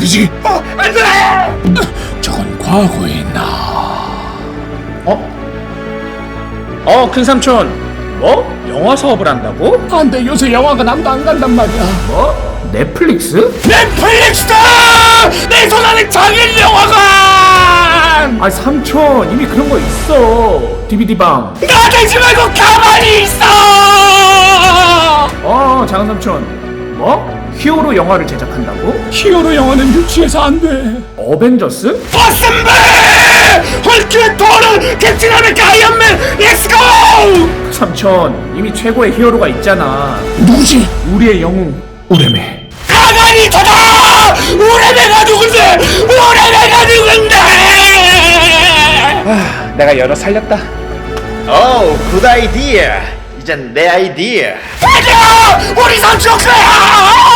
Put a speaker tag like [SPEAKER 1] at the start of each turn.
[SPEAKER 1] 소리지? 안돼! 저건 과거에 있나?
[SPEAKER 2] 큰 삼촌. 뭐? 영화 사업을 한다고?
[SPEAKER 1] 안돼, 요새 영화관 아무도 안 간단 말이야.
[SPEAKER 2] 뭐? 넷플릭스?
[SPEAKER 1] 넷플릭스다! 내 손 안에 장인 영화관!
[SPEAKER 2] 아 삼촌 이미 그런 거 있어. DVD방.
[SPEAKER 1] 나대지 말고 가만히 있어!
[SPEAKER 2] 작은 삼촌. 뭐? 히어로 영화를 제작한다고?
[SPEAKER 1] 히어로 영화는 유치해서 안 돼.
[SPEAKER 2] 어벤져스?
[SPEAKER 1] 버슨배! 헐크, 토르, 캡틴 아메리카, 아이언맨, 렛츠고!
[SPEAKER 2] 삼촌 이미 최고의 히어로가 있잖아.
[SPEAKER 1] 누구지?
[SPEAKER 2] 우리의 영웅 우레메.
[SPEAKER 1] 가만히 있어라! 우레메가 누군데? 우레메가 누군데?
[SPEAKER 2] 내가 열어 살렸다.
[SPEAKER 3] 오, 굿 아이디어. 이젠 내 아이디어.
[SPEAKER 1] 아니야! 우리 삼촌 거야!